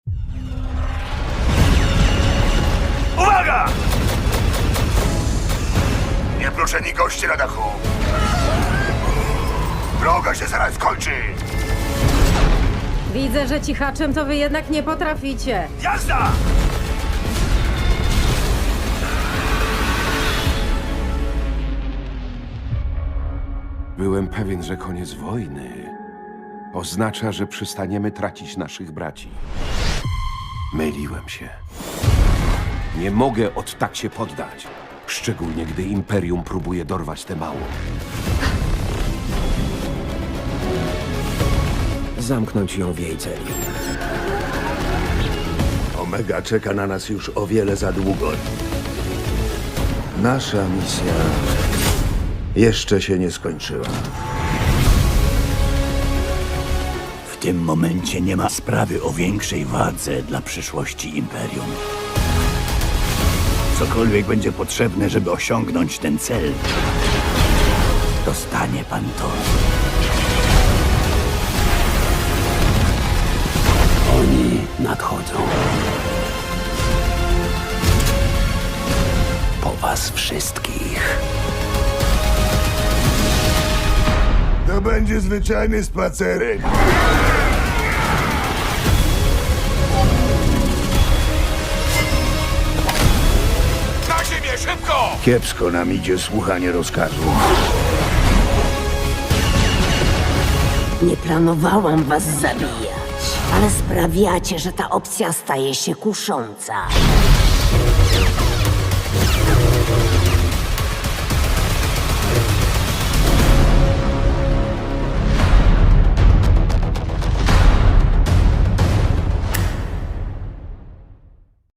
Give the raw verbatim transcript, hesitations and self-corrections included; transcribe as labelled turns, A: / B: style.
A: Uwaga! Nieproszeni goście na dachu. Droga się zaraz skończy.
B: Widzę, że cichaczem to wy jednak nie potraficie.
A: Jazda!
C: Byłem pewien, że koniec wojny oznacza, że przestaniemy tracić naszych braci. Myliłem się. Nie mogę od tak się poddać. Szczególnie, gdy Imperium próbuje dorwać tę małą.
D: Zamknąć ją w jej celi.
E: Omega czeka na nas już o wiele za długo. Nasza misja jeszcze się nie skończyła.
F: W tym momencie nie ma sprawy o większej wadze dla przyszłości Imperium. Cokolwiek będzie potrzebne, żeby osiągnąć ten cel, dostanie pan to. Oni nadchodzą. Po was wszystkich.
A: To będzie zwyczajny spacerek. Na ziemię, szybko!
E: Kiepsko nam idzie słuchanie rozkazów.
G: Nie planowałam was zabijać, ale sprawiacie, że ta opcja staje się kusząca.